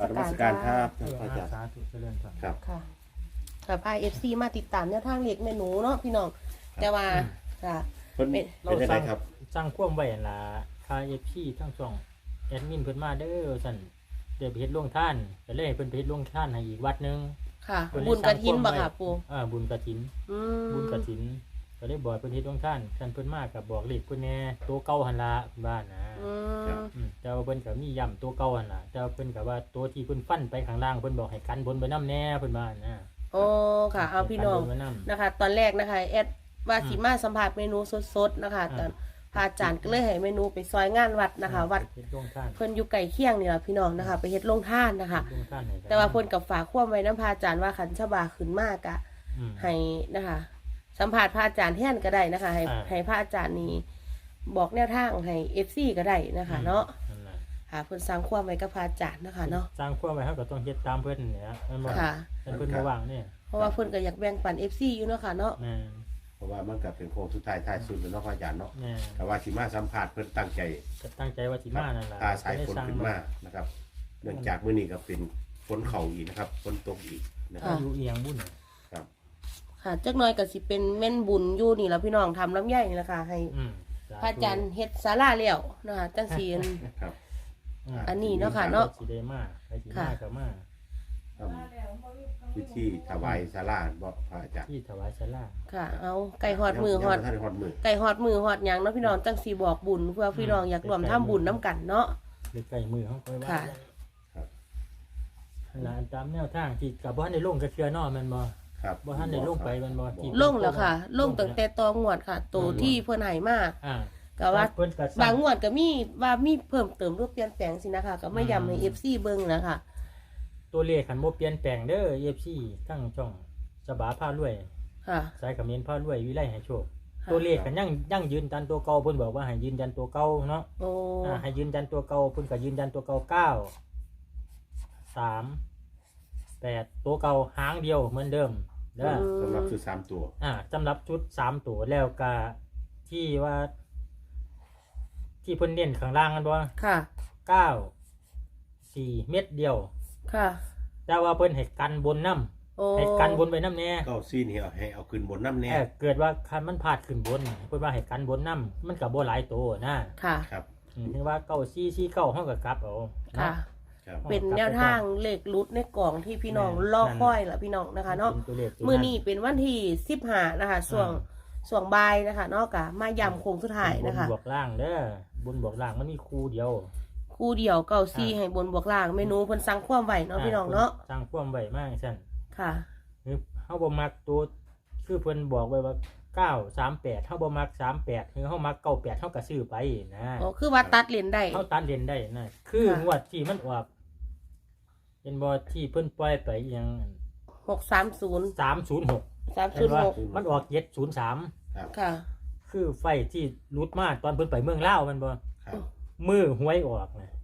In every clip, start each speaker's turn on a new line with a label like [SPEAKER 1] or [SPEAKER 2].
[SPEAKER 1] นมัสการครับพระอาจารย์
[SPEAKER 2] สาธุเจริญพร
[SPEAKER 1] ครับ
[SPEAKER 3] ค่ะค่ะพาFCมาติดตามแนวทางเล็กแม่หนูเนาะพี่น้องแต่ว่าค่ะ
[SPEAKER 1] เพิ่น
[SPEAKER 3] เป็น
[SPEAKER 1] เป็นยังไงครับ
[SPEAKER 2] สร้างความไว้ล่ะคาพี่ทั้งช่องแอดมินเพิ่นมาเด้อสั่นเดี๋ยวไปเฮ็ดโรงทานก็เลยให้เพิ่นไปเฮ็ดโรงทานให้อีกวัดหนึง
[SPEAKER 3] ค่ะ
[SPEAKER 2] เพิ่นเลย
[SPEAKER 3] บุญกระถินบ่ค่ะ
[SPEAKER 2] สร้างความไว้
[SPEAKER 3] ปู่
[SPEAKER 2] บุญกฐิน
[SPEAKER 3] อืม
[SPEAKER 2] บุญกฐินก็เลยบอกเพิ่นเฮ็ดโรงทานท่านเพิ่นมาก็บอกเลขเพิ่นแหน่ตัวเก่าหั่นล่ะบ้านนะ
[SPEAKER 3] อืม
[SPEAKER 2] แต่ว่าเพิ่นก็มีย้ำตัวเก่าหั่นล่ะแต่ว่าเพิ่นก็ว่าตัวที่เพิ่นฟันไปข้างล่างเพิ่นบอกให้กันบนไปนำแน่เพิ่นว่านะ
[SPEAKER 3] โอ้ค่ะเอาพี่น้อง
[SPEAKER 2] ให้กันบไว้ำ
[SPEAKER 3] นะคะ ตอนแรกนะคะแอดว่าสิมาสัมผัสเมนูสดๆนะคะตอนพระอาจารย์ก็เลยให้เมนูไปซอยงานวัดนะคะ วัด
[SPEAKER 2] เฮ็ดโรงทาน
[SPEAKER 3] เพิ่นอยู่ไก่เคียงนี่แหละพี่น้องนะคะ ไปเฮ็ดโรงทานนะคะ
[SPEAKER 2] โรงทานให้กัน
[SPEAKER 3] แต่ว่าเพิ่นกับฝากความไว้น้ำพระอาจารย์ว่าขันชบาขึ้นมากอะ
[SPEAKER 2] อืม
[SPEAKER 3] ให้นะคะ สัมผัสพระอาจารย์แทนก็ได้นะคะ ให้พระอาจารย์นี่บอกแนวทางให้ FC ก็ได้นะคะเนาะ
[SPEAKER 2] นั่นแหละ
[SPEAKER 3] ค่ะเพิ่นสร้างความไว้กับพระอาจารย์นะคะเนาะ
[SPEAKER 2] สร้างความไว้เฮาก็ต้องเฮ็ดตามเพิ่นเนี่ยมันบ่
[SPEAKER 3] ค่ะ
[SPEAKER 2] เพิ่นบ่ว่างนี่
[SPEAKER 3] เพราะว่าเพิ่นก็อยากแบ่งปัน FC อยู่เนาะค่ะเนาะ
[SPEAKER 2] แม่
[SPEAKER 1] เพราะว่ามันก็เป็นโค้งสุดท้ายท้ายสุดแล้วเนาะพระอาจารย์เนาะ
[SPEAKER 2] แม่
[SPEAKER 1] แต่ว่าสิมาสัมผัสเพิ่นตั้งใจ
[SPEAKER 2] ก็ตั้งใจว่าสิมานั่นล่ะ
[SPEAKER 1] พาสายฝนขึ้นมานะครับเนื่องจากมื้อนี้ก็เป็นฝนเข้าอีกนะครับฝนตกอีกนะค
[SPEAKER 2] ถ้า
[SPEAKER 1] รับ
[SPEAKER 2] อยู่เอียงบุญ
[SPEAKER 1] ครับ
[SPEAKER 3] ค่ะจักหน่อยก็สิเป็นแม่นบุญอยู่นี่ล่ะพี่น้องทำลำไยนี่ล่ะค่ะให้ พระอาจารย์เฮ็ดศาลาแล้วนะคะจังซี่
[SPEAKER 1] ครับ
[SPEAKER 3] อันนี้เนาะค่ะเนาะ
[SPEAKER 2] สิได้มาไปสิมาก็มา
[SPEAKER 1] ทำพิธีถวายศาลาบ่พระอาจารย์
[SPEAKER 2] ที่ถวายศาลา
[SPEAKER 3] ค่ะ เอาไก่ฮอดมือฮอด
[SPEAKER 1] ท่านฮอดมือ
[SPEAKER 3] ไก่ฮอดมือฮอดหยังเนาะพี่น้องจังสิบอกบุญเพื่อพี่น้องอยากรวมทำบุญนํกันเนาะ
[SPEAKER 2] หรือใกล้มือเฮาค่อยว่า
[SPEAKER 3] ค่ะ
[SPEAKER 1] ครับ
[SPEAKER 2] หลานตามแนวทางที่ก็บ่ทันได้ลงกระเทือเนาะแม่นบ่
[SPEAKER 1] ครับ
[SPEAKER 2] บ่ทันได้ลงไปแม่นบ่ที่
[SPEAKER 3] ลงแล้วค่ะ ลงตั้งแต่ตองวดค่ะโตที่เพิ่นให้มา
[SPEAKER 2] อ่า
[SPEAKER 3] ก็ว่า
[SPEAKER 2] เพิ่นก็
[SPEAKER 3] บางงวดก็มีว่ามีเพิ่มเติมรูปเปลี่ยนแปลงสินะคะก็ไม่ย้ำให้ FC เบิ่งนะคะ
[SPEAKER 2] ตัวเลขคันบ่เปลี่ยนแปลงเด้อ FC ทั้งช่องฉบาพารวย
[SPEAKER 3] ค่ะ
[SPEAKER 2] สายเขมิ้นพารวยวิไลให้โชค
[SPEAKER 3] ค่ะ
[SPEAKER 2] ตัวเลขกันยังยืนยันตัวเก่าเพิ่นบอกว่าให้ยืนยันตัวเก่าเนาะ
[SPEAKER 3] โอ้
[SPEAKER 2] ให้ยืนยันตัวเก่าเพิ่นก็ยืนยันตัวเก่า9 3 8ตัวเก่าหางเดียวเหมือนเดิมเด้อ
[SPEAKER 1] สำหรับซื้อ3ตัว
[SPEAKER 2] สำหรับชุด3ตัวแล้วก็ที่ว่าที่เพิ่นเน้นข้างล่างกันบ่
[SPEAKER 3] ค่ะ
[SPEAKER 2] 9 4 เม็ดเดียว
[SPEAKER 3] ค่ะ
[SPEAKER 2] แต่ว่าเพิ่นให้กันบนน้ำ
[SPEAKER 3] โอ้
[SPEAKER 2] ให้กันบนไปน้ำแน่
[SPEAKER 1] ก็ซีนี่ให้เอาขึ้นบนน้ำแน่
[SPEAKER 2] เกิดว่าคันมันพลาดขึ้นบนเพิ่นว่าให้กันบนน้ำมันก็บ่หลายตัวนะ
[SPEAKER 3] ค่ะ
[SPEAKER 1] ครับ
[SPEAKER 2] ถึงว่าเก้าซี่ซี่เก้าเฮาก็กลับเอา
[SPEAKER 3] ค่ะ
[SPEAKER 1] ครับ
[SPEAKER 3] เป็นแนวทางเลขรุดในกล่องที่พี่น้องรอคอยล่ะพี่น้องนะคะเนาะ
[SPEAKER 2] ป็ตัวลขตัว
[SPEAKER 3] มื้อนี้เป็นวันที่15นะคะช่วงบ่ายนะคะเนาะกะมาย้ำโค้งสุดท้ายนะคะ
[SPEAKER 2] บนบวกล่างเด้อบนบวกล่างมันมีคู่เดียว
[SPEAKER 3] คู่เดียว94ให้บนบวกล่างเมนูเพิ่นสั่งความไว้เนาะพี่น้องเนาะ
[SPEAKER 2] สร้างความไว้มากซั่น
[SPEAKER 3] ค่ะ
[SPEAKER 2] คือเฮาบ่มักตัวคือเพิ่นบอกไว้ว่า938เฮาบ่มัก38คือเฮามัก98เฮาก็ซื้อไปนะ
[SPEAKER 3] อ๋อคือว่าตัดเลนได้
[SPEAKER 2] เฮาตัดเล่นได้นะคือ
[SPEAKER 3] ค่ะ
[SPEAKER 2] งวดที่มันออกเป็นบ่ที่เพิ่นปล่อยไปอหยัง
[SPEAKER 3] 630
[SPEAKER 2] 306
[SPEAKER 3] 306
[SPEAKER 2] มันออก703
[SPEAKER 1] ครับ
[SPEAKER 3] ค่ะ
[SPEAKER 2] คือไฟที่รุดมาตอนเพิ่นไปเมืองลาวมันบ่
[SPEAKER 1] ครับ
[SPEAKER 2] มือหวยออกนะ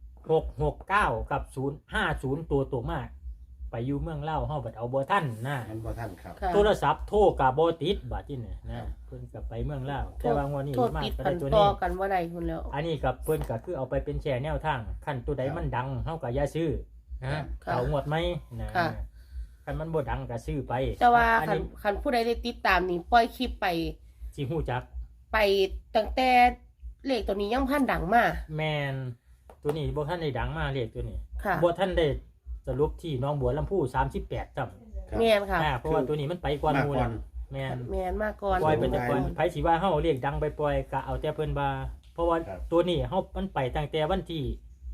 [SPEAKER 2] 669กับ050ตัวมากไปอยู่เมืองลาวเฮาบัดเอาบ่ทันนะ
[SPEAKER 1] มันบ่ท่านครับ
[SPEAKER 3] ค่ะ
[SPEAKER 2] โทรศัพท์โทรก็บ่ติดบัดนี้นะเพิ่นก็ไปเมืองลาวแต่ว่างวดนี้
[SPEAKER 3] โทษ
[SPEAKER 2] มา
[SPEAKER 3] ติด
[SPEAKER 2] ก็
[SPEAKER 3] กั
[SPEAKER 2] ได้
[SPEAKER 3] น
[SPEAKER 2] ตัว
[SPEAKER 3] ต่อ
[SPEAKER 2] นี้
[SPEAKER 3] กันว่าใดคุณแล้ว
[SPEAKER 2] อันนี้กับเพิ่นก็คือเอาไปเป็นแชร์แนวทางคันตัวใดมันดังเฮาก็อย่าซื้อนะ
[SPEAKER 3] ค่ะ
[SPEAKER 2] เอางวดไหมนะ
[SPEAKER 3] ค่ะ
[SPEAKER 2] คันมันบ่ดังก็ซื้อไป
[SPEAKER 3] แต่ว่า
[SPEAKER 2] อัน
[SPEAKER 3] คัน
[SPEAKER 2] นี้
[SPEAKER 3] คันผู้ใดได้ติดตามนี่ปล่อยคลิปไป
[SPEAKER 2] สิฮู้จัก
[SPEAKER 3] ไปตั้งแต่เลขตัวนี้ยังพันดังมาก
[SPEAKER 2] แม่นตัวนี้บ่ทันได้ดังมาเลขตัวนี้
[SPEAKER 3] ค่ะ
[SPEAKER 2] บ่ทันได้สรุปที่หน้องบัวลำพู38จำ
[SPEAKER 1] ครับ
[SPEAKER 3] แมนค่ะ
[SPEAKER 2] เพราะว่าตัวนี้มันไปก่อนหมู่
[SPEAKER 1] มาก่อ
[SPEAKER 2] นะ
[SPEAKER 1] น
[SPEAKER 2] แม่น
[SPEAKER 3] แมนมากก่อน
[SPEAKER 2] ปล่อยไปแต่ก่อนไผสิว่าเฮาเรียกดังไปปล่อยก็เอาแต่เพิ่นว่าเพราะว่า
[SPEAKER 1] ครับ
[SPEAKER 2] ตัวนี้เฮามันไปตั้งแต่วันที่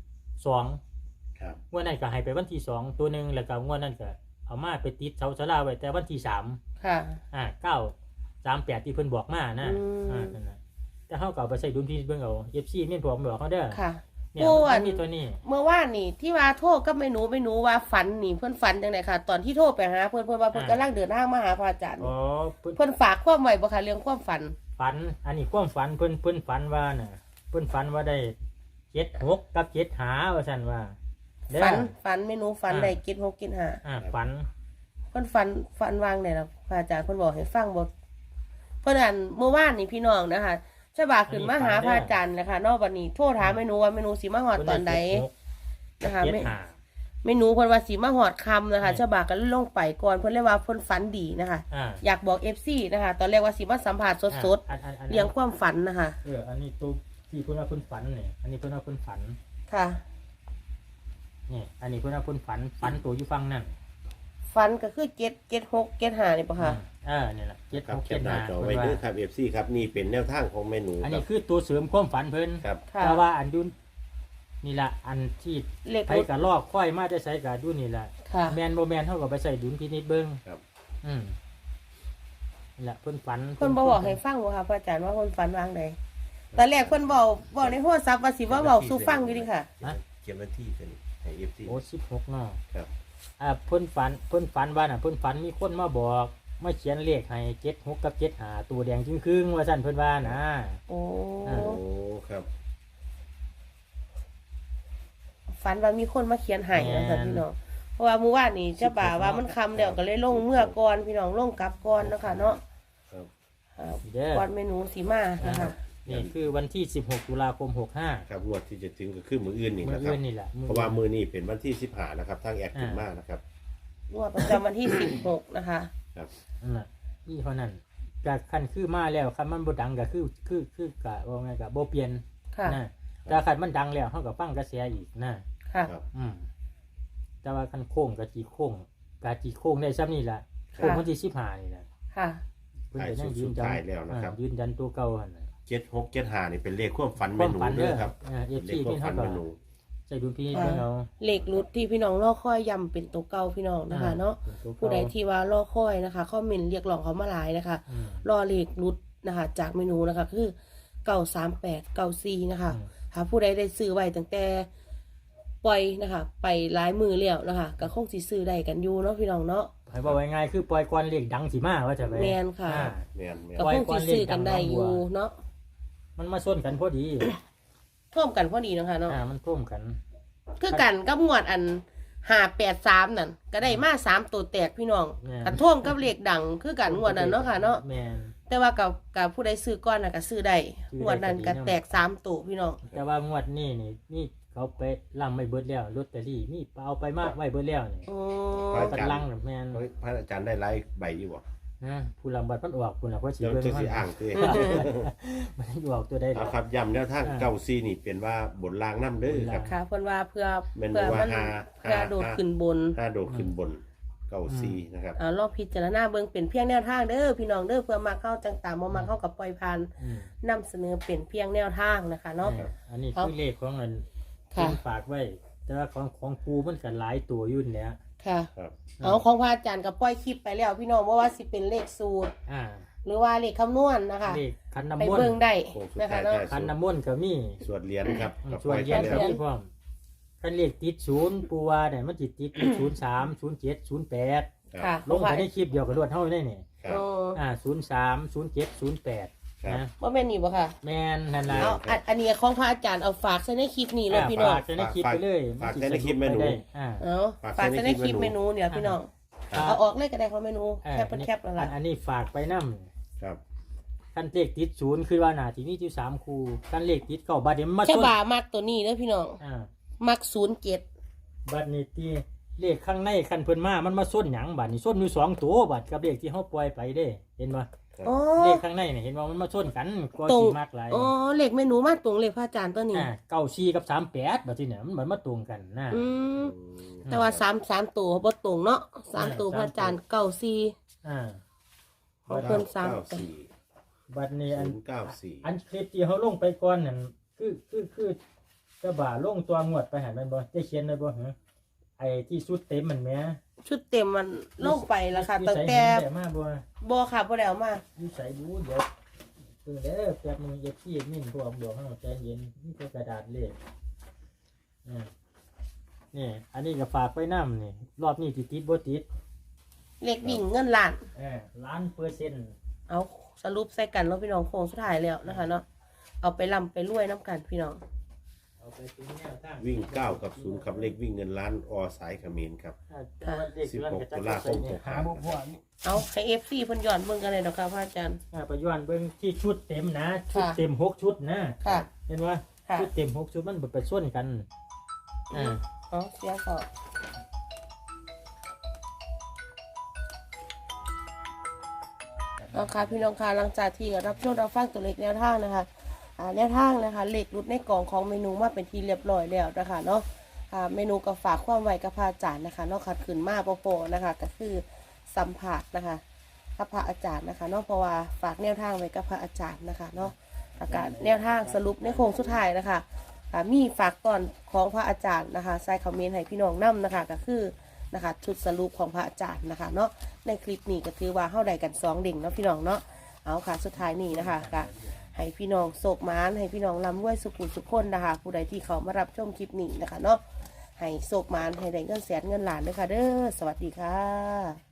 [SPEAKER 2] 2
[SPEAKER 1] ครับ
[SPEAKER 2] งวดนั้นก็ให้ไปวันที่2ตัวหนึงแล้วก็งวดนั้นก็เอามาไปติดเสาศาลาไว้แต่วันที่3
[SPEAKER 3] ค่ะ
[SPEAKER 2] 938ที่เพิ่นบอกมานะ นั่นน่ะแต่เฮาก็เอาไปใช้ดุลพินิจเบิ่งเอา FC แม่นผมบอกเขาเด้อ
[SPEAKER 3] ค่ะ
[SPEAKER 2] เนี่ย
[SPEAKER 3] โอ้อั
[SPEAKER 2] มัน นมีตัวนี้
[SPEAKER 3] เมื่อวานนี่ที่ว่าโทษก็ไม่หนูว่าฝันนี่เพื่อนฝันจังไดค่ะ ตอนที่โทรไปหาเพื่อนว่าเพื่อนกำลังเดินทางมาหาพระอาจารย์
[SPEAKER 2] อ๋อเพิ่น
[SPEAKER 3] เพื่อนฝากความไว้บ่ค่ะเรื่องความฝัน
[SPEAKER 2] ฝันอันนี้ความฝันเพิ่นฝันว่าน่ะเพิ่นฝันว่าได้76กับ7หาว่าซั่นว่าเด้อ
[SPEAKER 3] ฝันเมนูฝันได้กิน6กิน5
[SPEAKER 2] ฝัน
[SPEAKER 3] เพื่อนฝันวางได้ล่ะพระอาจารย์เพื่อนบอกให้ฟังบ่เพื่อนอันเมื่อวานนี่พี่น้องนะคะฉบาขึ้นมาหาพระอาจารย์นะคะนอกวันนี้โทรถามเมนูว่าเมนูสิมาฮอดตอนใด นะคะ
[SPEAKER 2] เจ็ดหา
[SPEAKER 3] แม่หนูเพิ่นว่าสิมาฮอดค่ำนะคะฉบับก็เลยลงไปก่อนเพิ่นเลยว่าเพิ่นฝันดีนะคะ อยากบอก FC นะคะตอนแรกว่าสิมาสัมภาษณ์สดๆเรื่องความฝันนะคะ
[SPEAKER 2] อันนี้ตัวที่เพิ่นว่าเพิ่นฝันนี่อันนี้เพิ่นว่าเพิ่นฝัน
[SPEAKER 3] ค่ะ
[SPEAKER 2] นี่อันนี้เพิ่นว่าเพิ่นฝันตัวอยู่ฟังนั่น
[SPEAKER 3] ฝันก็คือ77675นี่ป่ะคะ
[SPEAKER 2] นี่แหละ
[SPEAKER 1] ครับแคปหน้าจอ
[SPEAKER 2] 7 6
[SPEAKER 1] ไว้
[SPEAKER 2] 7
[SPEAKER 1] เด้อครับ FC ครับนี่เป็นแนวทางของเมนู
[SPEAKER 2] 5อัน
[SPEAKER 1] ครั
[SPEAKER 2] นี้
[SPEAKER 1] บ
[SPEAKER 2] คือตัวเสริมความฝันเพิ่น
[SPEAKER 1] ครับ
[SPEAKER 3] ค่ะ
[SPEAKER 2] แต่ว่าอันดุนนี่ล่ะอันที่
[SPEAKER 3] เลข
[SPEAKER 2] ไปกับลอกค่อยมาจะใช้กับดุนนี่ล่ะ
[SPEAKER 3] ค่ะ
[SPEAKER 2] แมนบ่แมนเท่ากับไปใส่ดุลพินิจเบิ่ง
[SPEAKER 1] ครับ
[SPEAKER 2] นี่แหละเพิ่นฝัน
[SPEAKER 3] เพิ่นบ่บอกให้ฟังบ่ค่ะพระอาจารย์ว่าเพิ่นฝันวางใดตอนแรกเพิ่นบอกในโทรศัพท์ว่าสิว่าเว้าสู่ฟังอยู่ดิค่ะ
[SPEAKER 1] เขียนวันที่เป็นให้ FC
[SPEAKER 2] โอ้16เนาะ
[SPEAKER 1] ครับ
[SPEAKER 2] เพิ่นฝันว่าน่ะเพิ่นฝันมีคนมาบอกมาเขียนเลขให้76กับ75ตัวแดงจึงครึ่งว่าซั่นเพิ่นว่านะ
[SPEAKER 3] โอ้
[SPEAKER 1] โอ้ครับ
[SPEAKER 3] ฝันว่ามีคนมาเขียนให้นะคะพี่น้องเพราะว่าเมื่อวานนี้เจ้าบ่าวว่ามันค่ำแล้วก็เลยลงเมื่อก่อนพี่น้องลงกลับก่อนเนาะค่ะเนาะ
[SPEAKER 1] ครับ
[SPEAKER 2] เด้อ
[SPEAKER 3] ก่อนเมนูสีมานะคะ
[SPEAKER 2] นี่คือวันที่16ตุลาคม65
[SPEAKER 1] ครับงวดที่จะถึงก็คือมืออื่นนี่
[SPEAKER 2] มื้อ
[SPEAKER 1] นะครั
[SPEAKER 2] อื่
[SPEAKER 1] บ
[SPEAKER 2] นนี่แหละ
[SPEAKER 1] เพราะว่ามือนี้เป็นวันที่15นะครับทางแอดถึงมากนะครับ
[SPEAKER 3] งวดประจำวันที่16นะคะ
[SPEAKER 1] ครับ
[SPEAKER 2] นั่นน่ะนี่เท่านั้นก็คันคือมาแล้วคันมันบ่ดังก็คือกะว่าไงก็บ่เปลี่ยน
[SPEAKER 3] ค่ะ
[SPEAKER 2] นะแต่คันมันดังแล้วเฮาก็ฟังกระแสอีกนะ
[SPEAKER 3] ค่ะ
[SPEAKER 1] ครับ
[SPEAKER 2] แต่ว่าคันโค้งกะจีโค้งได้ซ้ำนี่ล่ะโค้งวันที่15นี่ล่ะ
[SPEAKER 3] ค่ะ
[SPEAKER 2] เพิ่นก็ยังยืนยัน
[SPEAKER 1] ท้ายแล้วนะครับ
[SPEAKER 2] ยืนยันตัวเก่าหั่นน่ะ
[SPEAKER 1] 7675นี่เป็นเลขความฝัน
[SPEAKER 2] ค
[SPEAKER 1] เม
[SPEAKER 2] วาม
[SPEAKER 1] นู
[SPEAKER 2] ฝัน
[SPEAKER 1] เด้
[SPEAKER 2] เด้
[SPEAKER 1] อ
[SPEAKER 2] อ
[SPEAKER 1] ครับ
[SPEAKER 2] FC
[SPEAKER 1] เลขความ
[SPEAKER 2] เพิ่น
[SPEAKER 1] ฝั
[SPEAKER 2] เฮาน ก็
[SPEAKER 1] เมนู
[SPEAKER 2] ใส่ดุลพินิจเพิ่นเอา
[SPEAKER 3] เลขรุดที่พี่น้องรอคอยย้ำเป็นตัวเก่าพี่น้องนะคะเนาะ
[SPEAKER 2] เป็นตัวเก่า
[SPEAKER 3] ผู้ใดที่ว่ารอคอยนะคะคอมเมนต์เรียกร้องเขามาหลายนะคะ
[SPEAKER 2] อืม
[SPEAKER 3] รอเลขรุดนะคะ จากเมนูนะคะคือ93894นะคะ
[SPEAKER 2] อืม
[SPEAKER 3] หาผู้ใดได้ซื้อไว้ตั้งแต่ปล่อยนะคะ ไปหลายมือแล้วนะคะก็คงสิซื้อได้กันอยู่เนาะพี่น้องเนาะ
[SPEAKER 2] ให้บอกง่ายๆคือปล่อยก่อนเลขดังสิมาว่าจะไป
[SPEAKER 3] แม่นค่ะ
[SPEAKER 2] อ่า
[SPEAKER 1] แม่นแม่น
[SPEAKER 3] ก็คงสิซื้อกันได้อยู่เนาะ
[SPEAKER 2] มันมาส้นกันพอดี
[SPEAKER 3] ท่วมกันพอดีเนาะคะเนาะ
[SPEAKER 2] มันท่วมกัน
[SPEAKER 3] คือกันกับงวดอัน583นั่นก็ได้มา3ตัวแตกพี่น้อง
[SPEAKER 2] แม่น
[SPEAKER 3] กันท่วมกับเลขดังคือกันงวดนั้นเนาะค่ะเนาะ
[SPEAKER 2] แม่น
[SPEAKER 3] แต่ว่ากับผู้ใดซื้อก้อนน่ะก็ซื้อได้
[SPEAKER 2] ซื้อได้
[SPEAKER 3] งวดนั้น
[SPEAKER 2] ก็
[SPEAKER 3] ก็
[SPEAKER 2] ดีเนาะ
[SPEAKER 3] แตก3ตัวพี่น้อง
[SPEAKER 2] แต่ว่างวดนี้นี่เขาไปล่ำไม่เบิดแล้วลอตเตอรี่มีเอาไปมากไว้เบิดแล้วนี่
[SPEAKER 3] อ๋อ
[SPEAKER 2] กันลังน่ะแม่น
[SPEAKER 1] พระอาจารย์ได้ไลฟ์ใบอยู่บ่
[SPEAKER 2] นะผู้ลำบัดมันออกคุณน่ะเพราะสิ
[SPEAKER 1] เดี๋ยว
[SPEAKER 2] เบิ่ง
[SPEAKER 1] จะ
[SPEAKER 2] มั
[SPEAKER 1] สิ
[SPEAKER 2] น
[SPEAKER 1] อ่างคือ
[SPEAKER 2] มันออกตัวได้
[SPEAKER 1] เอาครับย้ำแนวทางเก้าซีนี่เป็นว่าบนรางน้ำเด้อครับ
[SPEAKER 3] ค่ะเพิ่นว่าเพื่อ
[SPEAKER 1] แม่น
[SPEAKER 3] เพื่อ
[SPEAKER 1] ว่า
[SPEAKER 3] มัน
[SPEAKER 1] ห้า
[SPEAKER 3] เพื่อโดดขึ้นบน
[SPEAKER 1] 5โดดขึ้นบนเก้าซีนะครับ
[SPEAKER 3] ลองพิจารณาเบิ่งเป็นเพียงแนวทางเด้อพี่น้องเด้อเพื่อมาเข้าจังตามบ่มาเข้ากับปล่อยผ่าน
[SPEAKER 2] อืม
[SPEAKER 3] นำเสนอเป็นเพียงแนวทางนะคะเนาะ
[SPEAKER 2] อันนี้คือเลขของเงิน
[SPEAKER 3] ค่ะ
[SPEAKER 2] เพิ่นฝากไว้ แต่ว่าของครูมันก็หลายตัวอยู่นี่แหละ
[SPEAKER 3] ค่ะ
[SPEAKER 1] ครับ
[SPEAKER 3] เอาของพระอาจารย์ก็ปล่อยคลิปไปแล้วพี่น้องว่าสิเป็นเลขสูตร
[SPEAKER 2] อ่า
[SPEAKER 3] หรือว่าเลขคำนวณนะคะ
[SPEAKER 2] เลขคัน
[SPEAKER 3] ไป
[SPEAKER 2] น้ำมน
[SPEAKER 3] เบิ่ง
[SPEAKER 2] ต์
[SPEAKER 3] ได้
[SPEAKER 1] โค้งสุด
[SPEAKER 3] นะคะ
[SPEAKER 1] ท้าย
[SPEAKER 3] เนาะ
[SPEAKER 1] ได้
[SPEAKER 2] คันน้ำมนต์ก็มี
[SPEAKER 1] สวดเหรียญครับกับ
[SPEAKER 2] ส่วน
[SPEAKER 1] ปล่
[SPEAKER 2] เรียน
[SPEAKER 1] ไป
[SPEAKER 2] ก็
[SPEAKER 1] แล้ว
[SPEAKER 2] มีพร้อมคันเลขติด0ปูว่าเนี่ยมันสิติด03 07 08
[SPEAKER 3] ค่ะ
[SPEAKER 2] ลงไปในคลิปเดียวกับรวดเท่าได้นี่
[SPEAKER 1] ครับ
[SPEAKER 2] 03 07 08
[SPEAKER 1] ครับ
[SPEAKER 2] นะ
[SPEAKER 3] ว่าแม่นนี่บ่ค่ะ
[SPEAKER 2] แม่นนั่นล่ะ
[SPEAKER 3] เอาอันนี้ของพระอาจารย์เอาฝากใส่ในคลิปนี้เลยพี่น้อง
[SPEAKER 2] ฝากในคลิปไปเลย
[SPEAKER 1] ฝากใส่ในคลิปเมนู
[SPEAKER 2] ได้อ่า
[SPEAKER 3] เอาฝากใส่ในคลิปเมนูเนี่ยพี่น้อง
[SPEAKER 2] ครับ
[SPEAKER 3] เอาออกเลยก็ได้ของเมนูแคปเป็นแคปแล้วล่ะ
[SPEAKER 2] อันนี้ฝากไปนํ
[SPEAKER 1] ครับ
[SPEAKER 2] คันเลขติด0คือว่าหน้าที่มีอยู่3คู่คันเลขติด9บาทเดี๋ยวมันมา
[SPEAKER 3] แค่
[SPEAKER 2] ชน
[SPEAKER 3] บ่ามักตัวนี้เด้อพี่น้อง มัก07
[SPEAKER 2] บัดนี้ที่เลขข้างในคันเพิ่นมามันมาส้นหยังบัดนี้ส้นอยู่2ตัวบัดกับเลขที่เฮาปล่อยไปเด้ เห็นบ่
[SPEAKER 3] อ๋อ
[SPEAKER 2] เลขข้างในเนี่ยเห็นว่ามันมาชนกันก็
[SPEAKER 3] ตรง
[SPEAKER 2] สิมากหลาย
[SPEAKER 3] อ๋อเลขเมนูมาตรงเลขพระอาจารย์ตัวนี้
[SPEAKER 2] 94กับ38บัดนี้เนี่ยมันเหมือนมาตรงกันนะ
[SPEAKER 3] อืมแต่ว่า3ตัวบ่ตรงเนาะ3ตัวพระอาจารย์94
[SPEAKER 2] อ่า
[SPEAKER 3] ของเพิ่น
[SPEAKER 1] เก้า
[SPEAKER 3] 3
[SPEAKER 1] สี่
[SPEAKER 2] บัดนี้อัน
[SPEAKER 1] 094
[SPEAKER 2] อันคลิปที่เฮาลงไปก่อนนั่นคือจะบ่าลงตัวงวดไปหันแม่นบ่ได้เขียนไว้บ่หึไอ้ที่สุดเต็มมันแหม
[SPEAKER 3] ชุดเต็มมันลงไปแล้วค่ะ
[SPEAKER 2] อยู่
[SPEAKER 3] ตั้ง
[SPEAKER 2] ไส
[SPEAKER 3] แต่
[SPEAKER 2] เห็นได้มาบ่
[SPEAKER 3] บ่ค่ะบ่ได้เอามา
[SPEAKER 2] อยู่ไสดูเดี๋ยวเด้อแป๊บนึงเอฟซีมินพวกบอกให้เราใจเย็นนี่เป็นกระดาษเลขนี่อันนี้ก็ฝากไว้นำนี่รอบนี้ติดบ่ติด
[SPEAKER 3] เลขวิ่งเงินล้าน
[SPEAKER 2] 1,000,000%
[SPEAKER 3] เอาสรุปใส่กันเนาะพี่น้องโค้งสุดท้ายแล้วนะคะเนาะเอาไปร่ำไปรวยน้ำกันพี่น้อง
[SPEAKER 2] เอาไปเป็นแนวทาง
[SPEAKER 1] วิ่ง9กับ0ครับเลขวิ่งเงินล้านอสายเขมรครับ 16ตุลาคม
[SPEAKER 2] หาบ่พอ
[SPEAKER 3] เอาให้ FC เพิ่นย้อนเบิ่งกันเลยดอกค่ะพระอาจารย์
[SPEAKER 2] ไปย้อนเบิ่งที่ชุดเต็มนะชุด
[SPEAKER 3] ค่ะ
[SPEAKER 2] เต็ม6ชุดนะ
[SPEAKER 3] ค่ะ
[SPEAKER 2] เห็นว่า
[SPEAKER 3] ค่ะ
[SPEAKER 2] ชุดเต็ม6ชุดมันบ่ไปส่วนกัน
[SPEAKER 3] เอาเสียก่อนเอาค่ะพี่น้องค่ะหลังจากที่รับชมรับฟังตัวเลขแนวทางนะคะแนวทางนะคะเลขรุดในกล่องของเมนูมาเป็นที่เรียบร้อยแล้วนะคะเนาะเมนูก็ฝากความไว้กับพระอาจารย์นะคะเนาะขัดขืนมาโปนะคะก็คือสัมผัสนะคะกับพระอาจารย์นะคะเนาะเพราะว่าฝากแนวทางไว้กับพระอาจารย์นะคะเนาะอาการแนวทางสรุปในโค้งสุดท้ายนะคะมีฝากตอนของพระอาจารย์นะคะใส่คอมเมนต์ให้พี่น้องนำนะคะก็คือนะคะชุดสรุปของพระอาจารย์นะคะเนาะในคลิปนี้ก็ถือว่าเข้าใดกัน2เด้งเนาะพี่น้องเนาะเอาค่ะสุดท้ายนี้นะคะก็ให้พี่น้องโศกมานให้พี่น้องร่ำรวยสุขุมสุขคนนะคะผู้ใดที่เขามารับชมคลิปนี้นะคะเนาะให้โศกมานให้ได้เงินแสนเงินล้านด้วยค่ะเด้อสวัสดีค่ะ